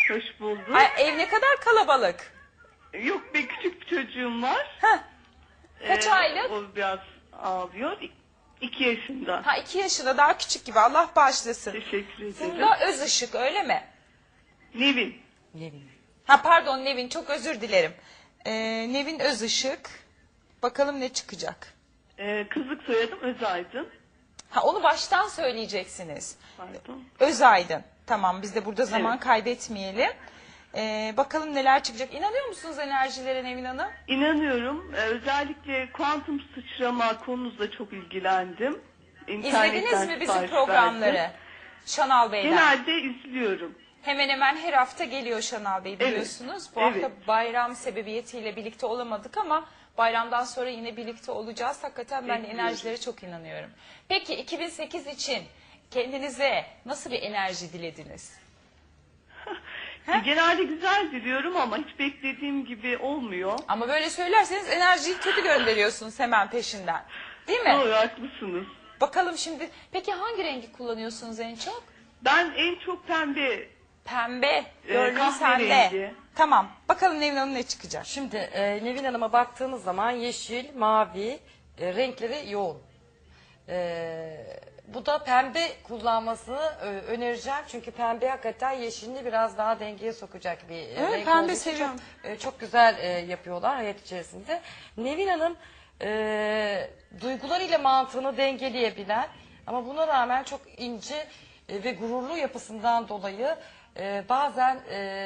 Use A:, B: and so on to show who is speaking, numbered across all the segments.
A: Hoş bulduk.
B: Ay, ev ne kadar kalabalık.
A: Yok be, küçük bir çocuğum var.
B: Heh. Kaç aylık?
A: O biraz ağlıyor. 2 yaşında.
B: Ha, 2 yaşında, daha küçük gibi. Allah bağışlasın.
A: Teşekkür ederim.
B: Funda Özışık, öyle mi?
A: Nevin.
B: Ha pardon, Nevin, çok özür dilerim. Nevin Özışık. Bakalım ne çıkacak.
A: Kızlık soyadım Özaydın.
B: Ha, onu baştan söyleyeceksiniz.
A: Pardon.
B: Özaydın. Tamam, biz de burada zaman
A: Evet.
B: kaybetmeyelim. Bakalım neler çıkacak. İnanıyor musunuz enerjilere Nevin Hanım?
A: İnanıyorum. Özellikle kuantum sıçrama konunuzla çok ilgilendim.
B: İzlediniz mi bizim
A: sipariş
B: programları?
A: verdim.
B: Şanal Bey'den.
A: Genelde izliyorum.
B: Hemen hemen her hafta geliyor Şanal Bey, biliyorsunuz. Bu
A: Evet.
B: hafta bayram sebebiyetiyle birlikte olamadık ama bayramdan sonra yine birlikte olacağız. Hakikaten ben de
A: Bekliyorum.
B: enerjilere çok inanıyorum. Peki 2008 için kendinize nasıl bir enerji dilediniz?
A: Genelde güzel diliyorum ama hiç beklediğim gibi olmuyor.
B: Ama böyle söylerseniz enerjiyi kötü gönderiyorsunuz hemen peşinden. Değil mi?
A: Doğru, haklısınız.
B: Bakalım şimdi. Peki hangi rengi kullanıyorsunuz en çok?
A: Ben en çok pembe.
B: Pembe. Gördüm
A: kahverengi.
B: sende. Tamam. Bakalım Nevin Hanım ne çıkacak?
C: Şimdi Nevin Hanım'a baktığımız zaman yeşil, mavi renkleri yoğun. Bu da pembe kullanmasını önereceğim. Çünkü pembe hakikaten yeşilini biraz daha dengeye sokacak bir
B: Evet,
C: renk
B: pembe
C: olduğu için
B: seviyorum.
C: çok güzel yapıyorlar hayat içerisinde. Nevin Hanım duygularıyla mantığını dengeleyebilen ama buna rağmen çok ince ve gururlu yapısından dolayı bazen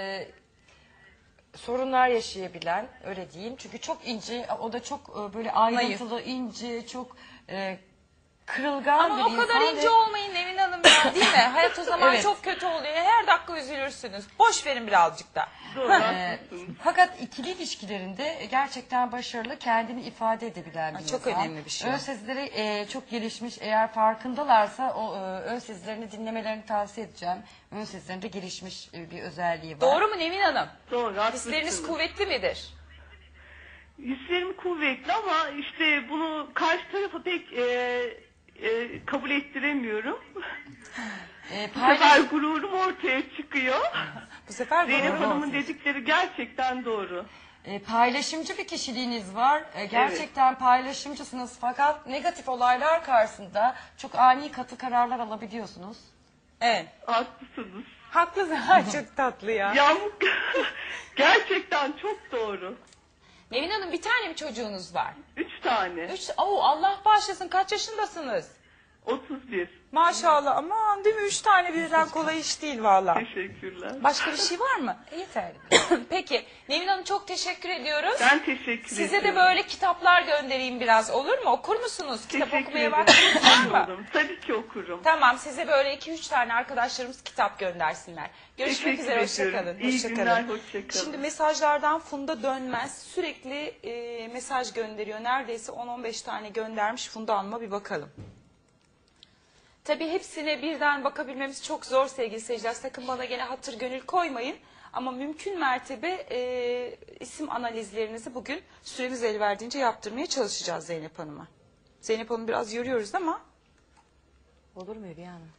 C: sorunlar yaşayabilen, öyle diyeyim. Çünkü çok ince, o da çok böyle ayrıntılı, ince, çok kırılgan
B: Ama
C: bir
B: o
C: insan.
B: kadar ince olmayın Nevin Hanım ya, değil mi? Hayat o zaman
C: Evet.
B: çok kötü oluyor. Her dakika üzülürsünüz. Boş verin birazcık da.
A: Doğru, haklısınız.
C: Fakat ikili ilişkilerinde gerçekten başarılı, kendini ifade edebilen bir
B: Çok
C: insan.
B: önemli bir şey.
C: Ön sezileri çok gelişmiş. Eğer farkındalarsa o ön sezilerini dinlemelerini tavsiye edeceğim. Ön sezilerinde gelişmiş bir özelliği var.
B: Doğru mu Nevin Hanım?
A: Doğru, haklısınız.
B: Hisleriniz kuvvetli midir?
A: Hislerim kuvvetli ama işte bunu karşı tarafa pek kabul ettiremiyorum. Bu sefer gururum ortaya çıkıyor.
B: Bu sefer
A: Zeynep
B: doğru.
A: Hanım'ın dedikleri gerçekten doğru.
C: Paylaşımcı bir kişiliğiniz var. Gerçekten paylaşımcısınız fakat negatif olaylar karşısında çok ani katı kararlar alabiliyorsunuz.
B: Evet.
A: Haklısınız.
B: Haklısın. Ay, çok tatlı ya.
A: Yağmur gerçekten çok doğru.
B: Nevin Hanım, bir tane mi çocuğunuz var?
A: 3 tane.
B: Allah bağışlasın, kaç yaşındasınız?
A: 31.
B: Maşallah, aman değil mi? 3 tane birden kolay iş değil valla.
A: Teşekkürler.
B: Başka bir şey var mı?
C: Yeterli.
B: Peki Nevin Hanım, çok teşekkür ediyoruz.
A: Ben teşekkür
B: Size
A: ederim.
B: de böyle kitaplar göndereyim biraz, olur mu? Okur musunuz? Kitap
A: Teşekkür
B: okumaya
A: ederim.
B: vaktiniz var mı?
A: Oğlum, tabii ki okurum.
B: Tamam, size böyle 2-3 tane arkadaşlarımız kitap göndersinler. Görüşmek
A: Teşekkür
B: üzere,
A: ediyorum.
B: hoşçakalın.
A: İyi günler, hoşça kalın.
B: Şimdi mesajlardan Funda Dönmez sürekli mesaj gönderiyor. Neredeyse 10-15 tane göndermiş. Funda Hanım'a bir bakalım. Tabii hepsine birden bakabilmemiz çok zor sevgili seyirciler. Sakın bana gene hatır gönül koymayın. Ama mümkün mertebe isim analizlerinizi bugün süremiz el verdiğince yaptırmaya çalışacağız Zeynep Hanım'a. Zeynep Hanım biraz yoruyoruz ama.
C: Olur mu Hülya Hanım?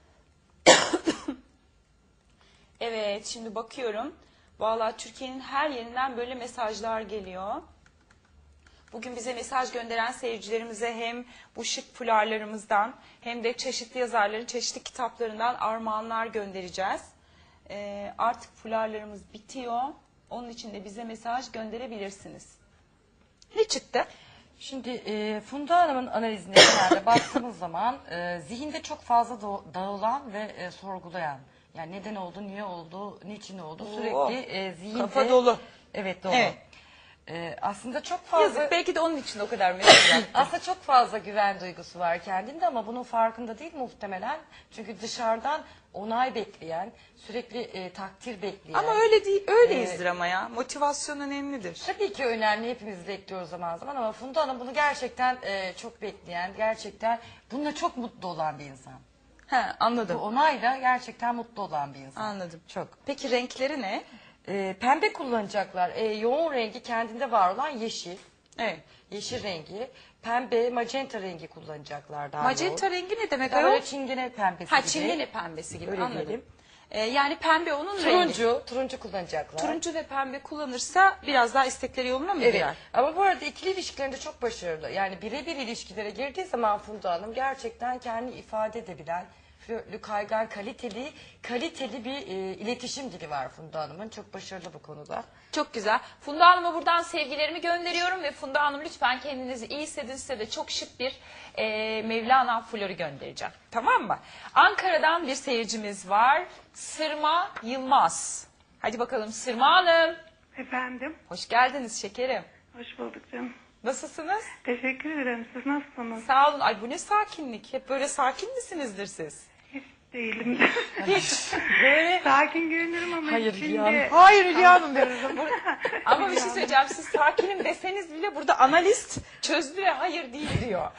B: Evet, şimdi bakıyorum. Vallahi Türkiye'nin her yerinden böyle mesajlar geliyor. Bugün bize mesaj gönderen seyircilerimize hem bu şık fularlarımızdan hem de çeşitli yazarların çeşitli kitaplarından armağanlar göndereceğiz. Artık fularlarımız bitiyor. Onun için de bize mesaj gönderebilirsiniz. Ne çıktı?
C: Şimdi Funda Hanım'ın analizine genelde baktığımız zaman zihinde çok fazla dağılan ve sorgulayan. Yani neden oldu, niye oldu, niçin oldu sürekli zihinde.
B: Kafa dolu.
C: Evet, dolu.
B: Evet.
C: Aslında çok fazla...
B: Yazık, belki de onun için o kadar mesaj yaptı.
C: Aslında çok fazla güven duygusu var kendinde ama bunun farkında değil muhtemelen. Çünkü dışarıdan onay bekleyen, sürekli takdir bekleyen.
B: Ama öyle değil, öyleyizdir ama ya. Motivasyon önemlidir.
C: Tabii ki önemli, hepimiz bekliyoruz zaman zaman ama Funda Hanım bunu gerçekten çok bekleyen, gerçekten bununla çok mutlu olan bir insan.
B: He,
C: Bu
B: anladım.
C: onayla gerçekten mutlu olan bir insan.
B: Anladım.
C: Çok.
B: Peki renkleri ne?
C: Pembe kullanacaklar. Yoğun rengi kendinde var olan yeşil.
B: Evet.
C: Yeşil rengi. Pembe, magenta rengi kullanacaklar daha
B: Magenta
C: yoğun.
B: rengi ne demek
C: Daha
B: ayol?
C: böyle çingene pembesi
B: Ha,
C: gibi.
B: çingene pembesi gibi,
C: Öyle
B: anladım.
C: diyelim.
B: Yani pembe onun rengi.
C: Turuncu kullanacaklar.
B: Turuncu ve pembe kullanırsa biraz daha istekleri yoluna mı
C: Evet.
B: girer?
C: Ama bu arada ikili ilişkilerinde çok başarılı. Yani birebir ilişkilere girdiği zaman Funda Hanım gerçekten kendini ifade edebilen, flörtlü, kaygan, kaliteli bir iletişim dili var Funda Hanım'ın. Çok başarılı bu konuda.
B: Çok güzel. Funda Hanım'a buradan sevgilerimi gönderiyorum ve Funda Hanım lütfen kendinizi iyi hissedin. Size de çok şık bir Mevlana flörü göndereceğim. Tamam mı? Ankara'dan bir seyircimiz var. Sırma Yılmaz. Hadi bakalım Sırma Hanım.
A: Efendim,
B: Hoş geldiniz şekerim.
A: hoş bulduk canım.
B: Nasılsınız?
A: Teşekkür ederim. Siz nasılsınız?
B: Sağ olun. Ay bu ne sakinlik. Hep böyle sakin misinizdir siz?
A: Hiç değilim.
B: Hiç. Böyle.
A: Sakin görünürüm ama
C: Hayır,
A: içinde...
C: yani.
B: Hayır Hülya Hanım. Ama bir şey söyleyeceğim. Siz sakinim deseniz bile burada analist çözdü ve hayır değil diyor.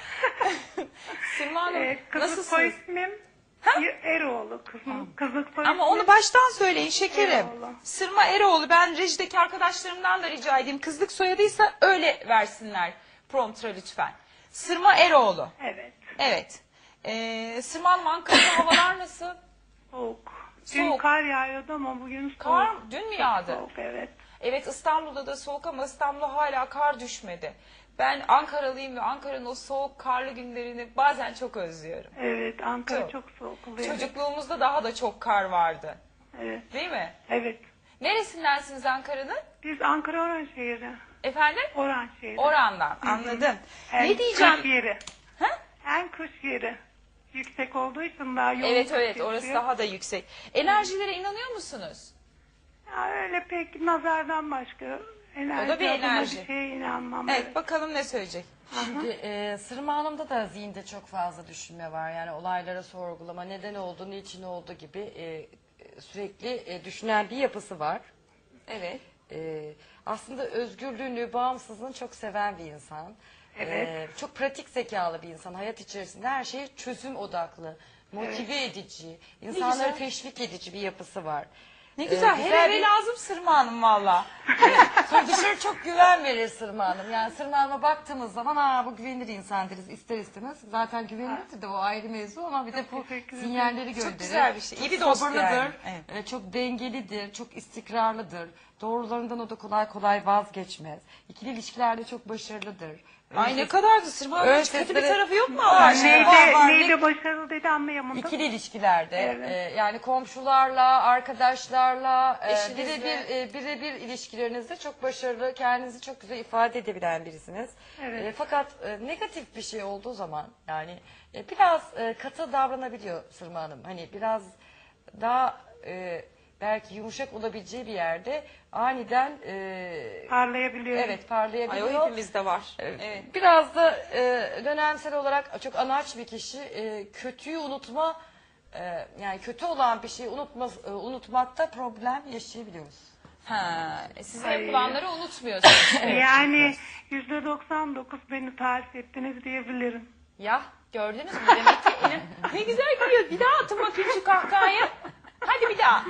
B: Sırma Hanım
A: Kızlık soy
B: nasılsınız?
A: ismim Eroğlu. Kızlık soy
B: Ama
A: ismim
B: onu baştan söyleyin şekerim.
A: Eroğlu.
B: Sırma Eroğlu. Ben rejideki arkadaşlarımdan da rica edeyim. Kızlık soyadıysa öyle versinler promptra lütfen. Sırma Eroğlu.
A: Evet.
B: Evet. Sırma Hanım Ankara'da havalar nasıl?
A: Soğuk. Dün
B: Soğuk.
A: kar yağıyordu ama bugün soğuk.
B: Kar dün mü yağdı?
A: Soğuk, evet.
B: Evet İstanbul'da da soğuk ama İstanbul'a hala kar düşmedi. Ben Ankaralıyım ve Ankara'nın o soğuk karlı günlerini bazen çok özlüyorum.
A: Evet, Ankara
B: Çok.
A: çok soğuk oluyor.
B: Çocukluğumuzda daha da çok kar vardı.
A: Evet.
B: Değil mi?
A: Evet.
B: Neresindensiniz Ankara'nın?
A: Biz Ankara Oranşehir'i.
B: Efendim?
A: Oranşehir'i.
B: Oran'dan. Anladım.
A: En
B: Ne diyeceğim?
A: kış yeri.
B: Ha?
A: En kış yeri. Yüksek olduğu için daha yoğun.
B: Evet
A: kış
B: evet
A: geçiyor.
B: orası daha da yüksek. Enerjilere inanıyor musunuz?
A: Ya öyle pek nazardan başka enerji.
B: O da bir
A: adına
B: enerji.
A: Bir şeye inanmam.
B: Evet bakalım ne söyleyecek.
C: Şimdi Sırma Hanım'da da zihinde çok fazla düşünme var. Yani olaylara sorgulama, neden oldu, niçin oldu gibi sürekli düşünen bir yapısı var.
B: Evet.
C: Aslında özgürlüğünü, bağımsızlığını çok seven bir insan.
A: Evet.
C: Çok pratik zekalı bir insan. Hayat içerisinde her şey çözüm odaklı, motive edici, insanları
B: güzel.
C: teşvik edici bir yapısı var.
B: Ne güzel.
C: güzel
B: Her eve
C: bir-
B: lazım Sırma Hanım valla.
C: Sonra dışarı çok güven verir Sırma Hanım. Yani Sırma Hanım'a baktığımız zaman bu güvenilir insan deriz ister istemez. Zaten güvenilirdi de o ayrı mevzu ama bir de bu
A: teşekkür ederim.
C: sinyalleri gönderir.
B: güzel bir şey. İyi
C: Çok
B: bir dost
C: sabırlıdır,
B: yani. Evet.
C: çok dengelidir, çok istikrarlıdır. Doğrularından o da kolay kolay vazgeçmez. İkili ilişkilerde çok başarılıdır.
B: Ay ne kadardı Sırma Hanım. Hiç kötü bir
C: sesleri-
B: tarafı yok mu Allah aşkına?
A: Neyde başarılı dedi anlayamadım.
C: İkili ilişkilerde
A: Evet.
C: yani komşularla, arkadaşlarla,
B: Eşinizle.
C: birebir ilişkilerinizde çok başarılı, kendinizi çok güzel ifade edebilen birisiniz.
A: Evet.
C: Fakat negatif bir şey olduğu zaman yani biraz katı davranabiliyor Sırma Hanım. Hani biraz daha belki yumuşak olabileceği bir yerde aniden
A: Parlayabiliyor.
C: evet
B: Ay
C: parlayabiliyor.
B: o hepimizde var. Evet.
C: Biraz da dönemsel olarak çok anaç bir kişi kötüyü unutma yani kötü olan bir şeyi unutmakta problem yaşayabiliyoruz.
B: Ha, siz
A: Ay.
B: yapılanları unutmuyorsunuz.
A: Yani %99 beni tarif ettiniz diyebilirim.
B: Ya gördünüz mü? Demek ki ne güzel gülüyor. Bir daha atın bakayım şu kahkahayı. Hadi bir daha.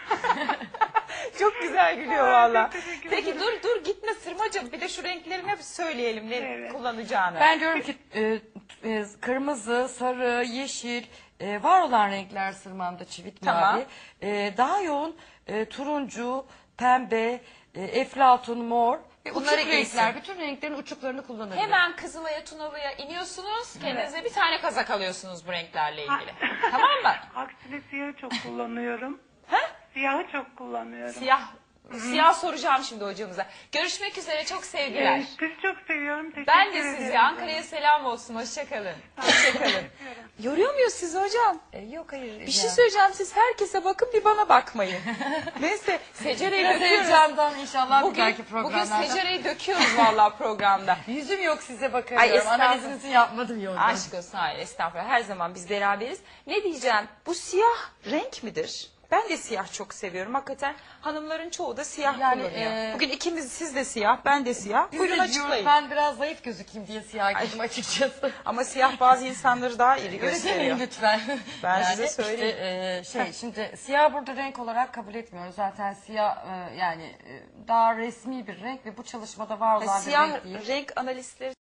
B: Çok güzel gülüyor valla.
A: teşekkür
B: Peki dur gitme Sırmacığım. Bir de şu renklerini hep söyleyelim ne
A: Evet.
B: kullanacağını.
C: Ben diyorum ki kırmızı, sarı, yeşil var olan renkler Sırmam'da çivit
B: Tamam.
C: mavi. Daha yoğun turuncu, pembe, eflatun, mor.
B: Bunları
C: Uçuk
B: giysin.
C: renkler, bütün renklerin uçuklarını kullanabilir.
B: Hemen Kızılay'a Tunalı'ya iniyorsunuz. Kendinize bir tane kazak alıyorsunuz bu renklerle ilgili. Tamam mı?
A: Aksine siyahı çok kullanıyorum.
B: Ha?
A: Siyahı çok kullanıyorum.
B: Siyah soracağım şimdi hocamıza. Görüşmek üzere çok sevgiler.
A: Sizi çok seviyorum. Teşekkür
B: Ben de
A: ederim.
B: sizi. Ankara'ya selam olsun. Hoşçakalın. Hoşçakalın. Yoruyor muyuz sizi hocam?
C: Yok hayır.
B: Bir şey söyleyeceğim. Siz herkese bakın bir bana bakmayın. Neyse secereyi
C: Biraz
B: döküyoruz.
C: heyecandan inşallah bir
B: Bugün
C: dahaki programlarda.
B: secereyi döküyoruz vallahi programda.
C: Yüzüm yok size
B: Ay,
C: bakamıyorum.
B: estağfurullah.
C: Analizinizi yapmadım yolda.
B: Aşk olsun hayır estağfurullah. Her zaman biz beraberiz. Ne diyeceğim? Bu siyah renk midir? Ben de siyah çok seviyorum. Hakikaten hanımların çoğu da siyah
C: Yani,
B: kullanıyor. Bugün ikimiz siz de siyah, ben de siyah. Buyurun açıklayın.
C: Ben biraz zayıf gözükeyim diye siyah giydim açıkçası.
B: Ama siyah bazı insanları daha iri
C: Öyle
B: gösteriyor.
C: demeyin lütfen.
B: Ben size söyleyeyim.
C: Şimdi siyah burada renk olarak kabul etmiyoruz. Zaten siyah daha resmi bir renk ve bu çalışmada var olan bir
B: Siyah
C: renk değil.
B: renk analistleri